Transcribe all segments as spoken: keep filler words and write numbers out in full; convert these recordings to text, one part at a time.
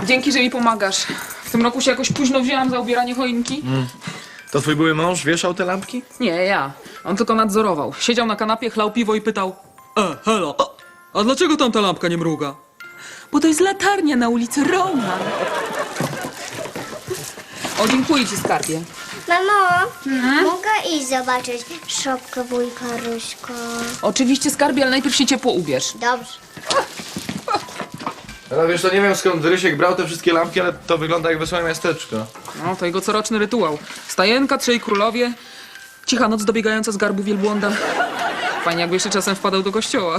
Dzięki, że mi pomagasz. W tym roku się jakoś późno wzięłam za ubieranie choinki. Mm. To twój były mąż wieszał te lampki? Nie, ja. On tylko nadzorował. Siedział na kanapie, chlał piwo i pytał: E, halo, a, a dlaczego tam ta lampka nie mruga? Bo to jest latarnia na ulicy Roman. O, dziękuję ci, skarbie. Mamo, mogę iść zobaczyć szopkę wujka Ryśka? Oczywiście, skarbie, ale najpierw się ciepło ubierz. Dobrze. No wiesz, to nie wiem skąd Rysiek brał te wszystkie lampki, ale to wygląda jak wesołe miasteczko. No, to jego coroczny rytuał. Stajenka, trzej królowie, cicha noc dobiegająca z garbu wielbłąda. Fajnie, jakby jeszcze czasem wpadał do kościoła.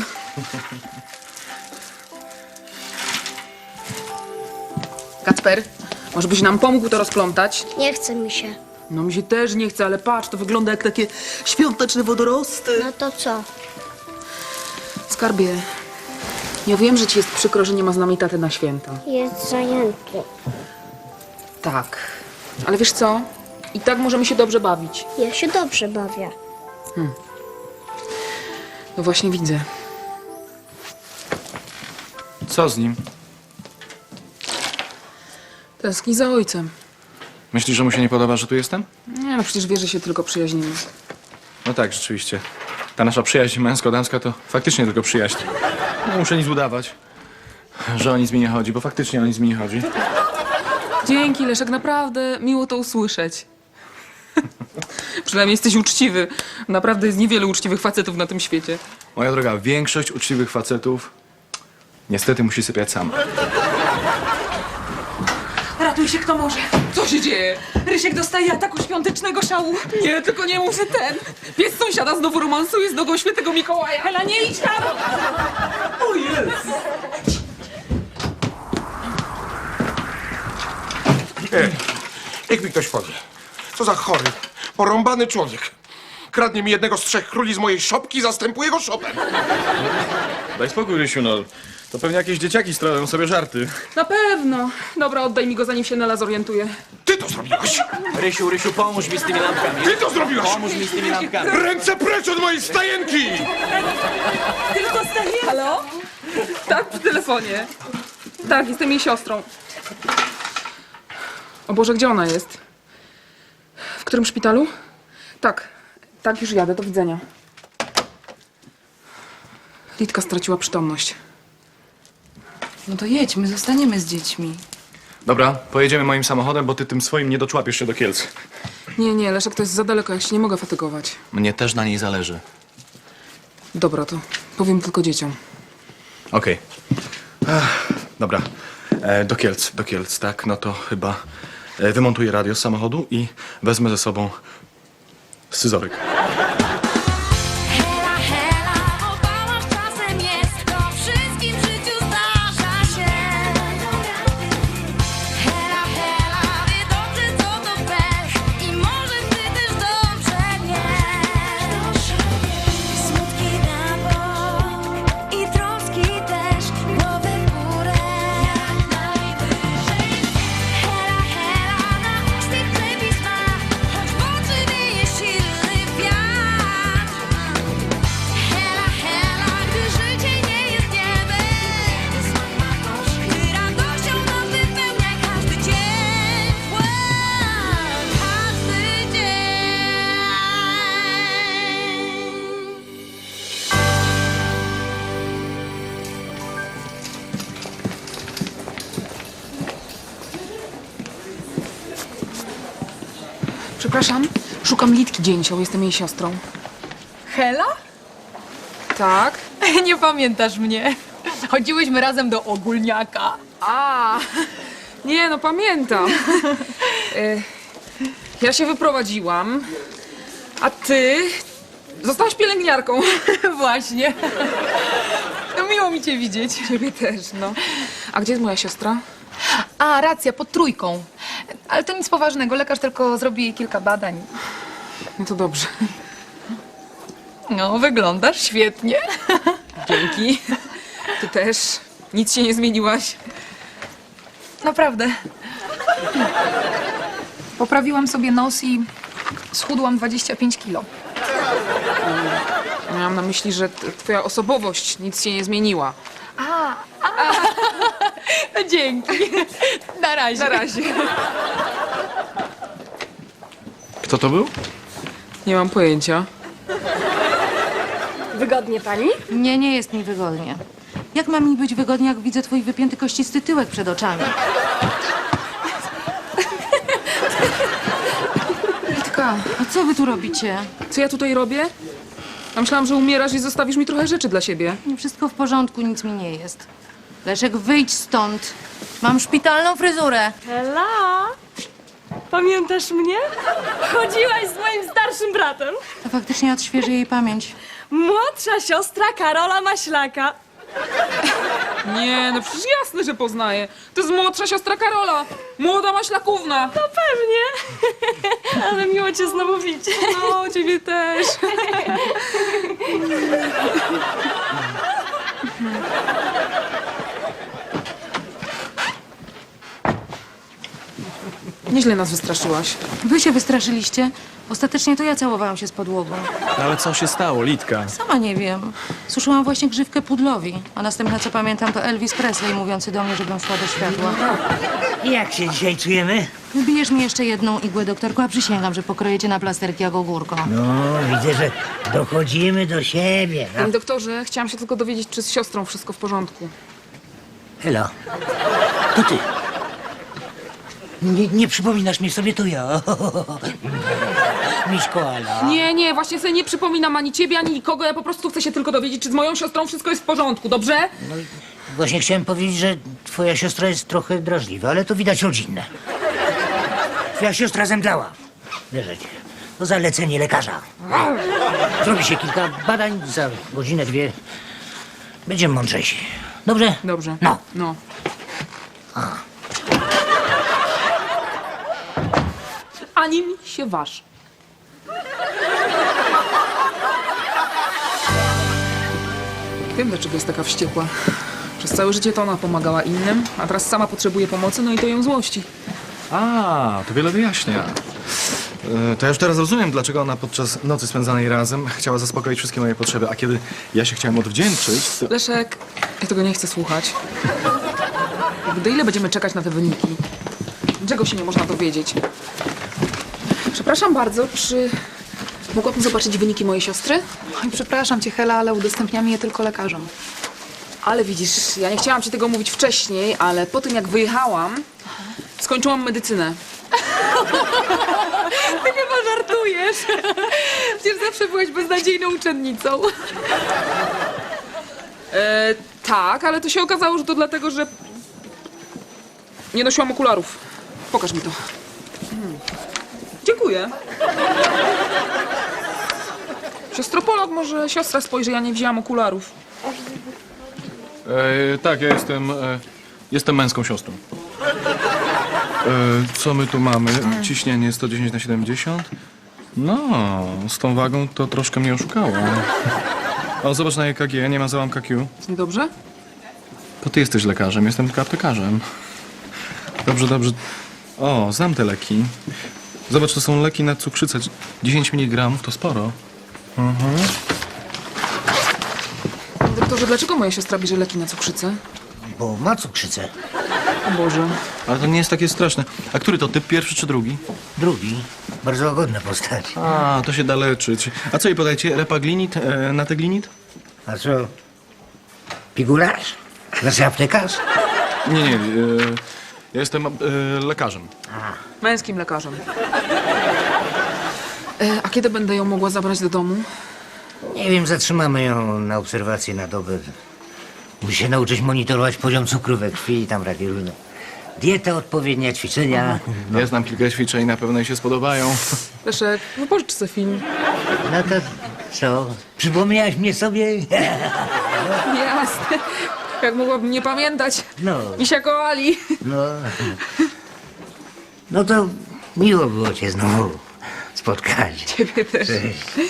Kacper, może byś nam pomógł to rozplątać? Nie chce mi się. No mi się też nie chce, ale patrz, to wygląda jak takie świąteczne wodorosty. No to co? Skarbie, ja wiem, że ci jest przykro, że nie ma z nami taty na święta. Jest zajęty. Tak, ale wiesz co? I tak możemy się dobrze bawić. Ja się dobrze bawię. No właśnie widzę. Co z nim? Tęskni za ojcem. Myślisz, że mu się nie podoba, że tu jestem? Nie, no przecież wie, że się tylko przyjaźnimy. No tak, rzeczywiście. Ta nasza przyjaźń męsko-damska to faktycznie tylko przyjaźń. Nie muszę nic udawać, że o nic mi nie chodzi, bo faktycznie o nic mi nie chodzi. Dzięki, Leszek, naprawdę miło to usłyszeć. Przynajmniej jesteś uczciwy. Naprawdę jest niewiele uczciwych facetów na tym świecie. Moja droga, większość uczciwych facetów niestety musi sypiać sama. Ratuj się kto może. Co się dzieje? Rysiek dostaje ataku świątecznego szału. Nie, tylko nie mów, że ten. Pies sąsiada znowu romansuje z nogą świętego Mikołaja. Hela, nie idź tam! O Jezu! Ej, niech mi ktoś powie. Co za chory, porąbany człowiek. Kradnie mi jednego z trzech króli z mojej szopki i zastępuje go szopem. Daj spokój, Rysiu, no. To pewnie jakieś dzieciaki stroją sobie żarty. Na pewno. Dobra, oddaj mi go, zanim się Nela zorientuje. Ty to zrobiłaś! Rysiu, Rysiu, pomóż mi z tymi lampkami. Ty to zrobiłaś! Pomóż mi z tymi lampkami. Ręce precz od mojej stajenki! Tylko staję. Halo? Tak, przy telefonie. Tak, jestem jej siostrą. O Boże, gdzie ona jest? W którym szpitalu? Tak, tak, już jadę, do widzenia. Litka straciła przytomność. No to jedźmy, zostaniemy z dziećmi. Dobra, pojedziemy moim samochodem, bo ty tym swoim nie doczłapiesz się do Kielc. Nie, nie, Leszek, to jest za daleko, ja się nie mogę fatygować. Mnie też na niej zależy. Dobra, to powiem tylko dzieciom. Okej. Ach, Dobra, e, do Kielc, do Kielc, tak? No to chyba e, wymontuję radio z samochodu i wezmę ze sobą scyzoryk. Hela, hela, bo bałasz czasem jest, to wszystkim w życiu zdarza się. Hela, hela, wie dobrze co to pech i może ty też dobrze wiesz. Smutki na bok i troski też, głowę w górę jak najwyżej. Hela, hela, na uczty przepis ma, choć w oczy wieje silny wiatr. Hela, hela, gdy życie nie jest niebem, gdy radością nas wypełnia każdy dzień, każdy dzień. Przepraszam, szukam Litki Dzięcioł, jestem jej siostrą. Hela? Tak? Nie pamiętasz mnie. Chodziłyśmy razem do ogólniaka. A, nie, no pamiętam. E, Ja się wyprowadziłam, a ty zostałaś pielęgniarką. Właśnie. No miło mi cię widzieć. Ciebie też, no. A gdzie jest moja siostra? A, racja, pod trójką. Ale to nic poważnego, lekarz tylko zrobi jej kilka badań. No to dobrze. No, wyglądasz świetnie. Dzięki. Ty też. Nic się nie zmieniłaś. Naprawdę. Poprawiłam sobie nos i schudłam dwadzieścia pięć kilo. Miałam na myśli, że t- twoja osobowość nic się nie zmieniła. Dzięki. Na razie. Na razie. Kto to był? Nie mam pojęcia. Wygodnie pani? Nie, nie jest mi wygodnie. Jak ma mi być wygodnie, jak widzę twój wypięty kościsty tyłek przed oczami? Litka, A co wy tu robicie? Co ja tutaj robię? Ja myślałam, że umierasz i zostawisz mi trochę rzeczy dla siebie. Nie, wszystko w porządku, nic mi nie jest. Leszek, wyjdź stąd. Mam szpitalną fryzurę. Ela! Pamiętasz mnie? Chodziłaś z moim starszym bratem. To faktycznie odświeży jej pamięć. Młodsza siostra Karola Maślaka. Nie, no przecież jasne, że poznaję. To jest młodsza siostra Karola. Młoda maślakówna. No pewnie. Ale miło cię znowu widzieć. No, ciebie też. Nieźle nas wystraszyłaś. Wy się wystraszyliście? Ostatecznie to ja całowałam się z podłogą. No ale co się stało, Litka? Sama nie wiem. Suszyłam właśnie grzywkę pudlowi. A następne, co pamiętam, to Elvis Presley mówiący do mnie, żebym szła do światła. Jak się dzisiaj czujemy? Wybijesz mi jeszcze jedną igłę, doktorku, a przysięgam, że pokroję cię na plasterki jak ogórko. No, widzę, że dochodzimy do siebie. No. Panie doktorze, chciałam się tylko dowiedzieć, czy z siostrą wszystko w porządku. Helo, to ty. Nie, nie przypominasz mi sobie, to ja. Miśko, Ala. Nie, nie, właśnie sobie nie przypominam ani ciebie, ani nikogo. Ja po prostu chcę się tylko dowiedzieć, czy z moją siostrą wszystko jest w porządku, dobrze? Właśnie chciałem powiedzieć, że twoja siostra jest trochę drażliwa, ale to widać rodzinne. Twoja siostra zemdlała. Wierzę ci. To zalecenie lekarza. Zrobi się kilka badań, za godzinę, dwie będziemy mądrzejsi. Dobrze? Dobrze. No. No. Ani mi się waż. Wiem, dlaczego jest taka wściekła. Przez całe życie to ona pomagała innym, a teraz sama potrzebuje pomocy, no i to ją złości. A, to wiele wyjaśnia. E, To ja już teraz rozumiem, dlaczego ona podczas nocy spędzanej razem chciała zaspokoić wszystkie moje potrzeby, a kiedy ja się chciałem odwdzięczyć, to... Leszek, ja tego nie chcę słuchać. Do ile będziemy czekać na te wyniki? Czego się nie można dowiedzieć? Przepraszam bardzo, czy mogłabym zobaczyć wyniki mojej siostry? Oj, przepraszam cię, Hela, ale udostępniamy je tylko lekarzom. Ale widzisz, ja nie chciałam ci tego mówić wcześniej, ale po tym jak wyjechałam, skończyłam medycynę. Ty chyba żartujesz. Przecież zawsze byłaś beznadziejną uczennicą. E, tak, ale to się okazało, że to dlatego, że nie nosiłam okularów. Pokaż mi to. Hmm. Dziękuję. Siostropolog, może siostra spojrzy, ja nie wzięłam okularów. E, tak, ja jestem... E, jestem męską siostrą. E, co my tu mamy? Ciśnienie sto dziesięć na siedemdziesiąt. No, z tą wagą to troszkę mnie oszukało. O, zobacz na E K G, nie ma załamka Q. Niedobrze? To ty jesteś lekarzem, jestem tylko aptekarzem. Dobrze, dobrze. O, znam te leki. Zobacz, to są leki na cukrzycę. dziesięć miligramów to sporo. Doktorze, dlaczego moja siostra bierze leki na cukrzycę? Bo ma cukrzycę. O Boże. Ale to nie jest takie straszne. A który to typ, pierwszy czy drugi? Drugi, bardzo łagodna postać. A, to się da leczyć. A co jej podajcie? Repaglinit, e, nateglinit? A co? Pigularz? Znaczy aptekarz? Nie, nie, e, ja jestem e, lekarzem. Męskim lekarzem. E, a kiedy będę ją mogła zabrać do domu? Nie wiem, zatrzymamy ją na obserwację na dobę. Musi się nauczyć monitorować poziom cukru we krwi i tam takie różne. Dieta odpowiednia, ćwiczenia. No. Ja znam kilka ćwiczeń, na pewno jej się spodobają. Leszek, wypożycz sobie film. No to co? Przypomniałaś mnie sobie? Jasne. Jak mogłabym nie pamiętać. No, Misia koali. no. No to miło było cię znowu spotkać. Ciebie też. Cześć.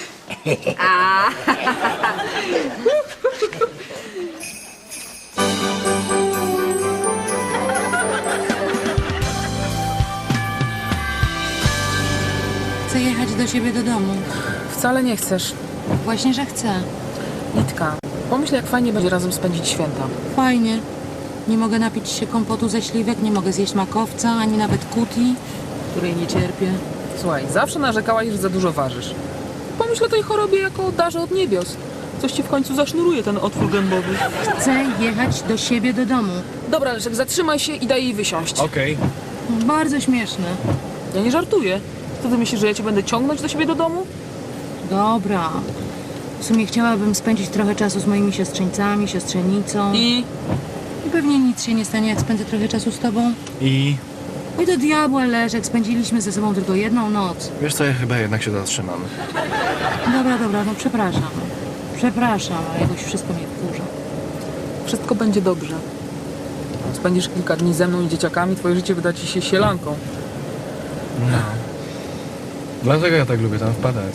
Chcę jechać do siebie do domu. Wcale nie chcesz. Właśnie, że chcę. Litka, pomyśl, jak fajnie będzie razem spędzić święta. Fajnie. Nie mogę napić się kompotu ze śliwek, nie mogę zjeść makowca, ani nawet kuti, której nie cierpię. Słuchaj, zawsze narzekałaś, że za dużo ważysz. Pomyśl o tej chorobie jako o darze od niebios. Coś ci w końcu zasznuruje ten otwór gębowy. Chcę jechać do siebie do domu. Dobra, Leszek, zatrzymaj się i daj jej wysiąść. Okej. Bardzo śmieszne. Ja nie żartuję. Co ty myślisz, że ja cię będę ciągnąć do siebie do domu? Dobra. W sumie chciałabym spędzić trochę czasu z moimi siostrzeńcami, siostrzenicą. I I pewnie nic się nie stanie, jak spędzę trochę czasu z tobą. I Oj, do diabła, Leszek, spędziliśmy ze sobą tylko jedną noc. wiesz co, ja chyba jednak się zatrzymam. Dobra, dobra, no przepraszam. Przepraszam, ale jakoś wszystko mnie wkurza. wszystko będzie dobrze. Spędzisz kilka dni ze mną i dzieciakami, twoje życie wyda ci się sielanką. No. Dlatego ja tak lubię tam wpadać.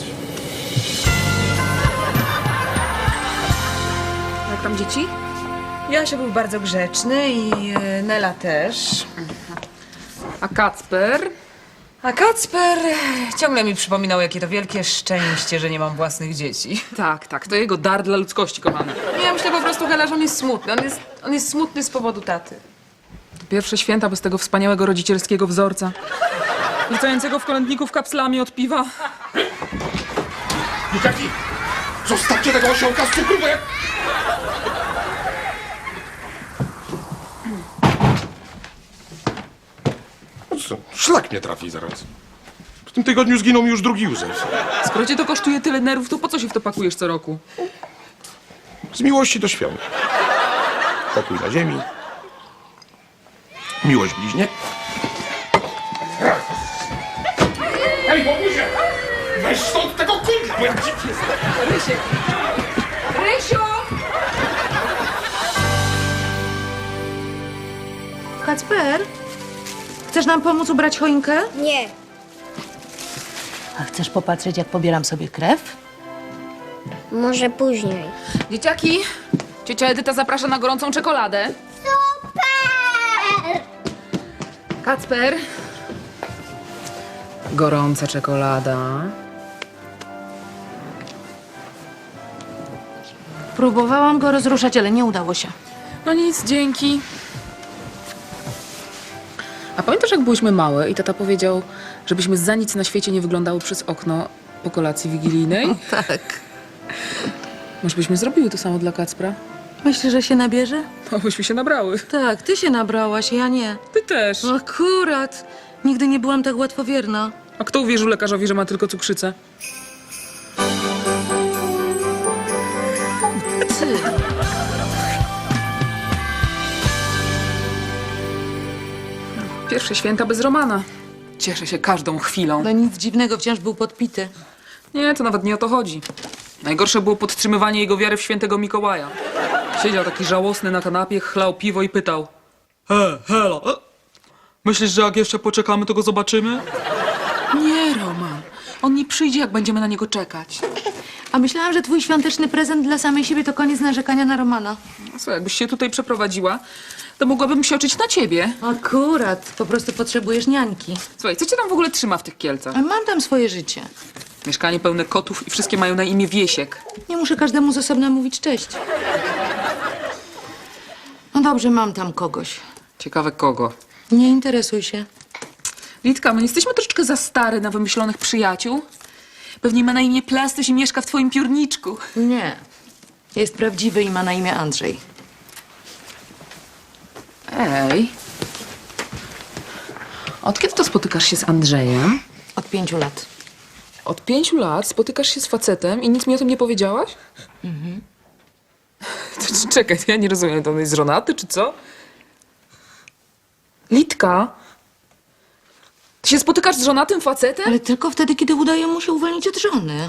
Jak tam dzieci? Jasio był bardzo grzeczny i e, Nela też. A Kacper? A Kacper ciągle mi przypominał, jakie to wielkie szczęście, że nie mam własnych dzieci. Tak, tak, to jego dar dla ludzkości, kochany. Ja myślę po prostu, Hela, że on jest smutny. On jest, on jest smutny z powodu taty. Pierwsze święta bez tego wspaniałego rodzicielskiego wzorca. Rzucającego w kolędników kapslami od piwa. Dzieciaki, zostawcie tego osiołka z cukru, bo jak... No co, szlak mnie trafi zaraz. W tym tygodniu zginął mi już drugi Józef. Skoro cię to kosztuje tyle nerwów, to po co się w to pakujesz co roku? Z miłości do świąt. Pokój na ziemi. Miłość bliźnie. Ej, bobuzie! Weź stąd tego kundla, bo jak dziwnie jest. Rysiu! Kacper, chcesz nam pomóc ubrać choinkę? Nie. A chcesz popatrzeć, jak pobieram sobie krew? Może później. Dzieciaki, ciocia Edyta zaprasza na gorącą czekoladę. Super! Kacper. Gorąca czekolada. Próbowałam go rozruszać, ale nie udało się. No nic, dzięki. A pamiętasz, jak byłyśmy małe i tata powiedział, żebyśmy za nic na świecie nie wyglądały przez okno po kolacji wigilijnej? Tak. Może byśmy zrobiły to samo dla Kacpra? Myślisz, że się nabierze? No, byśmy się nabrały. Tak, ty się nabrałaś, ja nie. Ty też. Akurat. Nigdy nie byłam tak łatwowierna. A kto uwierzył lekarzowi, że ma tylko cukrzycę? Ty. Pierwsze święta bez Romana. Cieszę się każdą chwilą. No nic dziwnego, wciąż był podpity. Nie, to nawet nie o to chodzi. Najgorsze było podtrzymywanie jego wiary w świętego Mikołaja. Siedział taki żałosny na kanapie, chlał piwo i pytał: He, Hela, e? myślisz, że jak jeszcze poczekamy, to go zobaczymy? Nie, Roman. On nie przyjdzie, jak będziemy na niego czekać. A myślałam, że twój świąteczny prezent dla samej siebie to koniec narzekania na Romana. No co, jakbyś się tutaj przeprowadziła, to mogłabym się oczyć na ciebie. Akurat. Po prostu potrzebujesz niańki. Słuchaj, co cię tam w ogóle trzyma w tych Kielcach? A mam tam swoje życie. Mieszkanie pełne kotów i wszystkie mają na imię Wiesiek. Nie muszę każdemu z osobna mówić cześć. No dobrze, mam tam kogoś. Ciekawe kogo. Nie interesuj się. Litka, my jesteśmy troszeczkę za stare na wymyślonych przyjaciół. Pewnie ma na imię Plastuś i mieszka w twoim piórniczku. Nie. Jest prawdziwy i ma na imię Andrzej. Ej. Od kiedy to spotykasz się z Andrzejem? Od pięciu lat. Od pięciu lat spotykasz się z facetem i nic mi o tym nie powiedziałaś? Mhm. To, c- czekaj, to ja nie rozumiem, to on jest żonaty, czy co? Litka? Ty się spotykasz z żonatym facetem? Ale tylko wtedy, kiedy udaje mu się uwolnić od żony.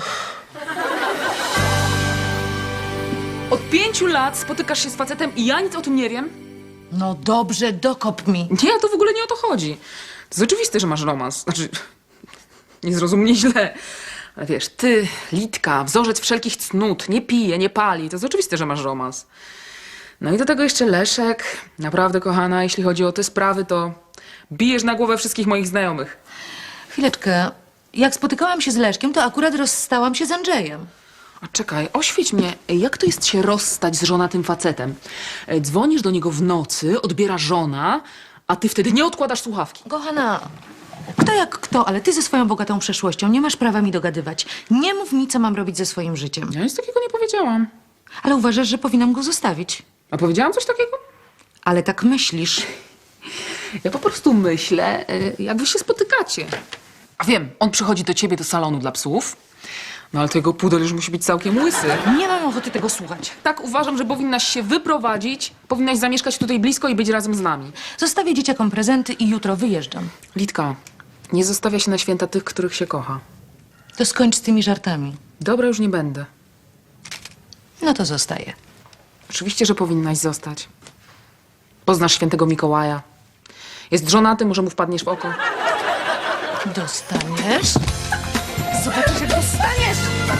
Od pięciu lat spotykasz się z facetem i ja nic o tym nie wiem? No dobrze, dokop mi. Nie, to w ogóle nie o to chodzi. To jest oczywiste, że masz romans. Znaczy, nie zrozum mnie źle. Ale wiesz, ty, Litka, wzorzec wszelkich cnót, nie pije, nie pali. To jest oczywiste, że masz romans. No i do tego jeszcze Leszek. Naprawdę, kochana, jeśli chodzi o te sprawy, to bijesz na głowę wszystkich moich znajomych. Chwileczkę. Jak spotykałam się z Leszkiem, to akurat rozstałam się z Andrzejem. A czekaj, oświeć mnie, jak to jest się rozstać z żonatym facetem? E, Dzwonisz do niego w nocy, odbiera żona, a ty wtedy nie odkładasz słuchawki. Kochana, kto jak kto, ale ty ze swoją bogatą przeszłością nie masz prawa mi dogadywać. Nie mów mi, co mam robić ze swoim życiem. Ja nic takiego nie powiedziałam. Ale uważasz, że powinnam go zostawić. A powiedziałam coś takiego? Ale tak myślisz. Ja po prostu myślę, e, jak wy się spotykacie. A wiem, on przychodzi do ciebie do salonu dla psów, no ale to jego pudel już musi być całkiem łysy. Nie mam ochoty tego słuchać. Tak uważam, że powinnaś się wyprowadzić, powinnaś zamieszkać tutaj blisko i być razem z nami. Zostawię dzieciakom prezenty i jutro wyjeżdżam. Litka, nie zostawia się na święta tych, których się kocha. To skończ z tymi żartami. Dobra, już nie będę. No to zostaję. Oczywiście, że powinnaś zostać. Poznasz świętego Mikołaja. Jest żonaty, może mu wpadniesz w oko. Dostaniesz? Zobaczysz, jak dostaniesz!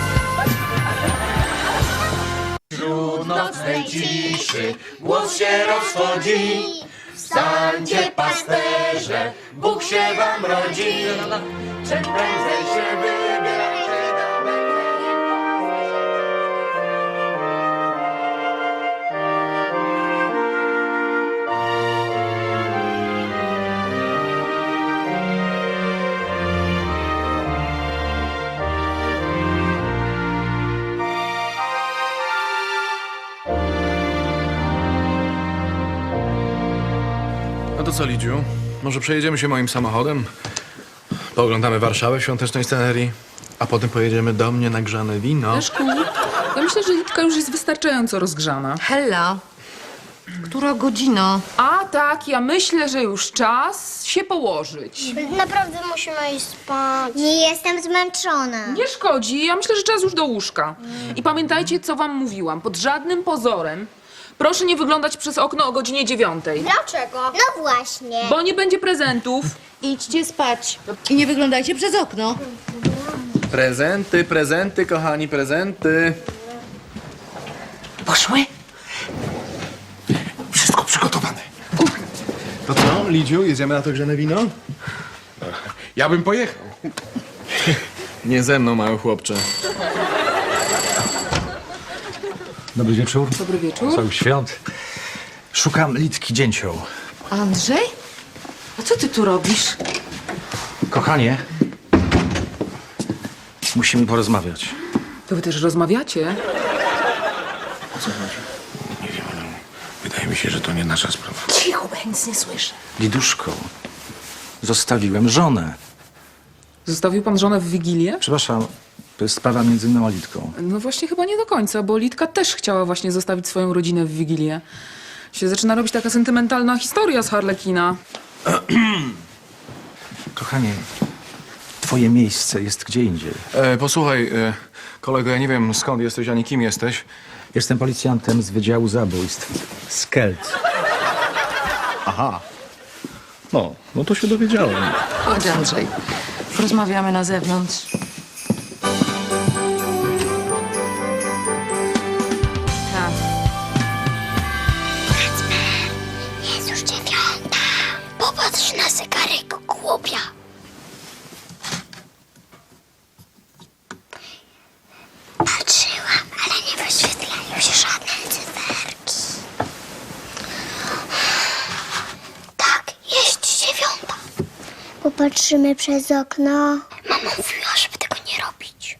Wśród nocnej ciszy głos się rozchodzi. Wstańcie, pasterze, Bóg się wam rodzi. Czym prędzej się wybierajcie do Betlejem. No to co, Lidziu? Może przejedziemy się moim samochodem? Pooglądamy Warszawę w świątecznej scenerii, a potem pojedziemy do mnie na grzane wino. Leszku, ja myślę, że Litka już jest wystarczająco rozgrzana. Hella, która godzina? A tak, ja myślę, że już czas się położyć. Naprawdę musimy iść spać. Nie jestem zmęczona. Nie szkodzi, ja myślę, że czas już do łóżka. I pamiętajcie, co wam mówiłam. Pod żadnym pozorem proszę nie wyglądać przez okno o godzinie dziewiątej. Dlaczego? No właśnie. Bo nie będzie prezentów. Idźcie spać. I nie wyglądajcie przez okno. Prezenty, prezenty, kochani, prezenty. Poszły? Wszystko przygotowane. To co, Lidziu, jedziemy na to grzane wino? Ja bym pojechał. Nie ze mną, mały chłopcze. Dobry wieczór. Dobry wieczór. Wesołych świąt. Szukam Litki Dzięcioł. Andrzej? A co ty tu robisz? Kochanie, musimy porozmawiać. To wy też rozmawiacie? Nie wiem, ale wydaje mi się, że to nie nasza sprawa. Cicho, bo ja nic nie słyszę. Liduszko, zostawiłem żonę. Zostawił pan żonę w Wigilię? Przepraszam, to jest sprawa między mną a Litką. No właśnie chyba nie do końca, bo Litka też chciała właśnie zostawić swoją rodzinę w Wigilię. Się zaczyna robić taka sentymentalna historia z Harlekina. Kochanie, twoje miejsce jest gdzie indziej. E, posłuchaj, e, kolego, ja nie wiem skąd jesteś, ani kim jesteś. Jestem policjantem z Wydziału Zabójstw z Kielc. Aha. No, no to się dowiedziałem. Chodź, Andrzej. Porozmawiamy na zewnątrz. Tak. Jest już dziewiąta. Popatrz na zegarek, głupia. Patrzyłam, ale nie wyświetlają się żadne cyferki. Tak, jest dziewiąta. Popatrzymy przez okno. Mama mówiła, żeby tego nie robić.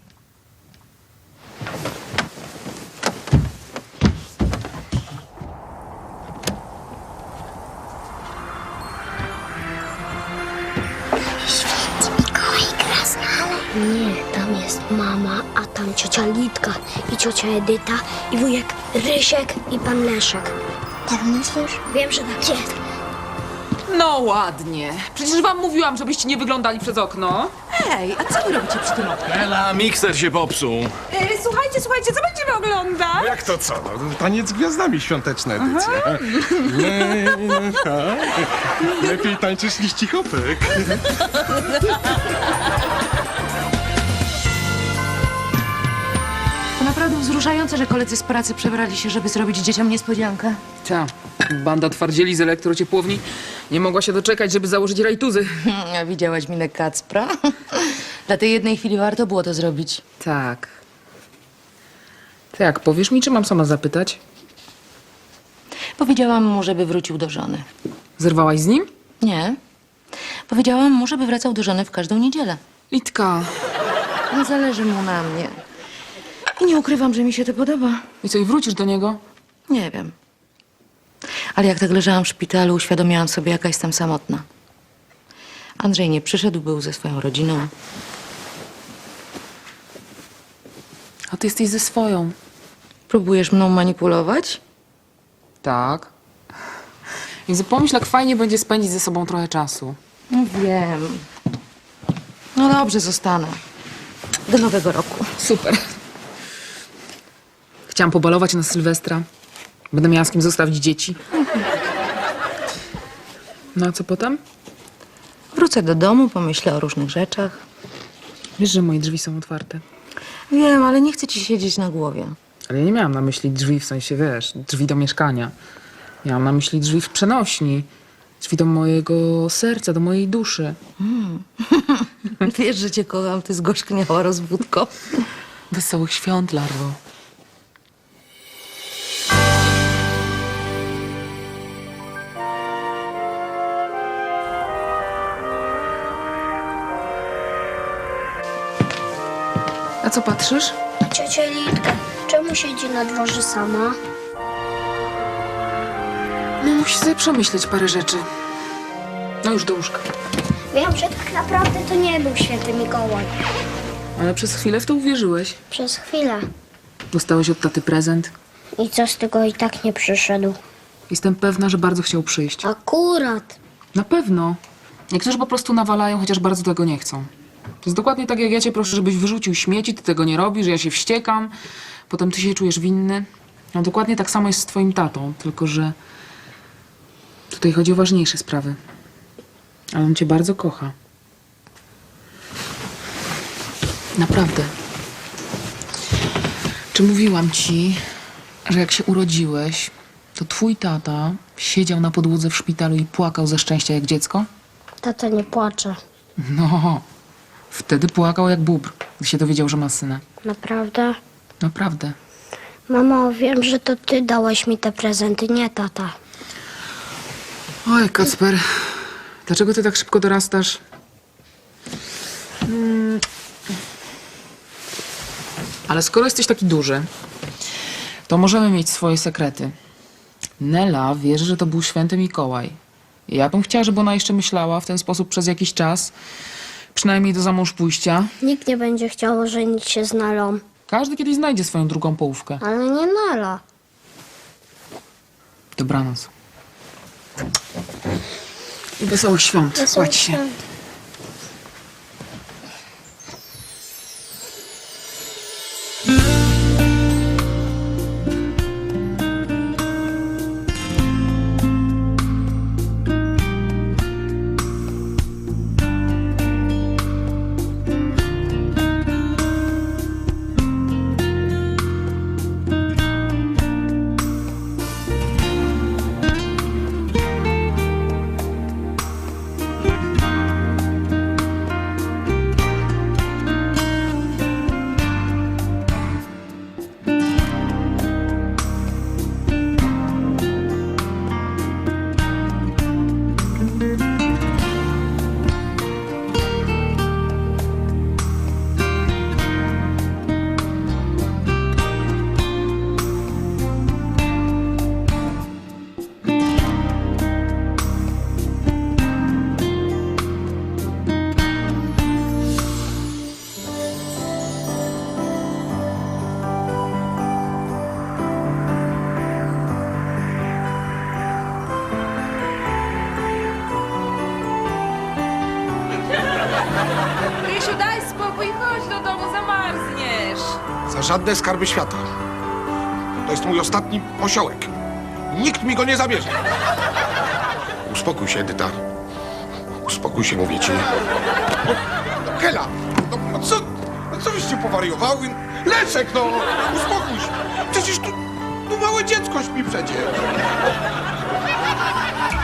Święty Mikołaj gra z nami. Nie, tam jest mama, a tam ciocia Litka i ciocia Edyta i wujek Rysiek i pan Leszek. Tak myślisz? Wiem, że tak jest. No ładnie. Przecież wam mówiłam, żebyście nie wyglądali przez okno. Ej, a co wy robicie przy tym oknie? Ela, mikser się popsuł. słuchajcie, słuchajcie, co będziemy oglądać? Jak to co? No, taniec z gwiazdami, świąteczna edycja. Lepiej tańczysz niż cichopek. To naprawdę wzruszające, że koledzy z pracy przebrali się, żeby zrobić dzieciom niespodziankę. Ta, banda twardzieli z elektrociepłowni nie mogła się doczekać, żeby założyć rajtuzy. A widziałaś minę Kacpra? Dla tej jednej chwili warto było to zrobić. Tak. To jak, powiesz mi, czy mam sama zapytać? Powiedziałam mu, żeby wrócił do żony. Zerwałaś z nim? Nie. Powiedziałam mu, żeby wracał do żony w każdą niedzielę. Litka. Nie zależy mu na mnie. I nie ukrywam, że mi się to podoba. I co, i wrócisz do niego? Nie wiem. Ale jak tak leżałam w szpitalu, uświadomiłam sobie, jaka jestem samotna. Andrzej nie przyszedł, był ze swoją rodziną. A ty jesteś ze swoją. Próbujesz mną manipulować? Tak. I pomyśl, jak fajnie będzie spędzić ze sobą trochę czasu. No wiem. No dobrze, zostanę. Do nowego roku. Super. Chciałam pobalować na Sylwestra. Będę miała z kim zostawić dzieci. No a co potem? Wrócę do domu, pomyślę o różnych rzeczach. Wiesz, że moje drzwi są otwarte. Wiem, ale nie chcę ci siedzieć na głowie. Ale ja nie miałam na myśli drzwi, w sensie, wiesz, drzwi do mieszkania. Miałam na myśli drzwi w przenośni. Drzwi do mojego serca, do mojej duszy. Mm. Wiesz, że cię kocham, ty zgorzkniała rozwódko. Wesołych świąt, larwo. A co patrzysz? Ciocia Litka, czemu siedzi na dworze sama? No musisz sobie przemyśleć parę rzeczy. No już do łóżka. Wiem, że tak naprawdę to nie był święty Mikołaj. Ale przez chwilę w to uwierzyłeś. Przez chwilę. Dostałeś od taty prezent. I co z tego, i tak nie przyszedł. Jestem pewna, że bardzo chciał przyjść. Akurat. Na pewno. Niektórzy po prostu nawalają, chociaż bardzo tego nie chcą. To jest dokładnie tak, jak ja cię proszę, żebyś wyrzucił śmieci, ty tego nie robisz, ja się wściekam, potem ty się czujesz winny. No dokładnie tak samo jest z twoim tatą, tylko że tutaj chodzi o ważniejsze sprawy. Ale on cię bardzo kocha. Naprawdę. Czy mówiłam ci, że jak się urodziłeś, to twój tata siedział na podłodze w szpitalu i płakał ze szczęścia jak dziecko? Tata nie płacze. No, wtedy płakał jak bóbr, gdy się dowiedział, że ma syna. Naprawdę? Naprawdę. Mamo, wiem, że to ty dałeś mi te prezenty, nie tata. Oj, Kacper, dlaczego ty tak szybko dorastasz? Hmm. Ale skoro jesteś taki duży, to możemy mieć swoje sekrety. Nela wierzy, że to był święty Mikołaj. Ja bym chciała, żeby ona jeszcze myślała w ten sposób przez jakiś czas, przynajmniej do zamąż pójścia. Nikt nie będzie chciał żenić się z Nelą. Każdy kiedyś znajdzie swoją drugą połówkę. Ale nie Nela. Dobranoc. I wesołych świąt. Wesołych Kładź się. świąt. Rysiu, daj spokój, chodź do domu, zamarzniesz. Za żadne skarby świata. To jest mój ostatni osiołek. Nikt mi go nie zabierze. Uspokój się, Edyta. Uspokój się, mówię ci. No, Hela! No, no co, no co wyście powariowały? Leszek, no! Uspokój się! Przecież tu, tu małe dziecko śpi przecież.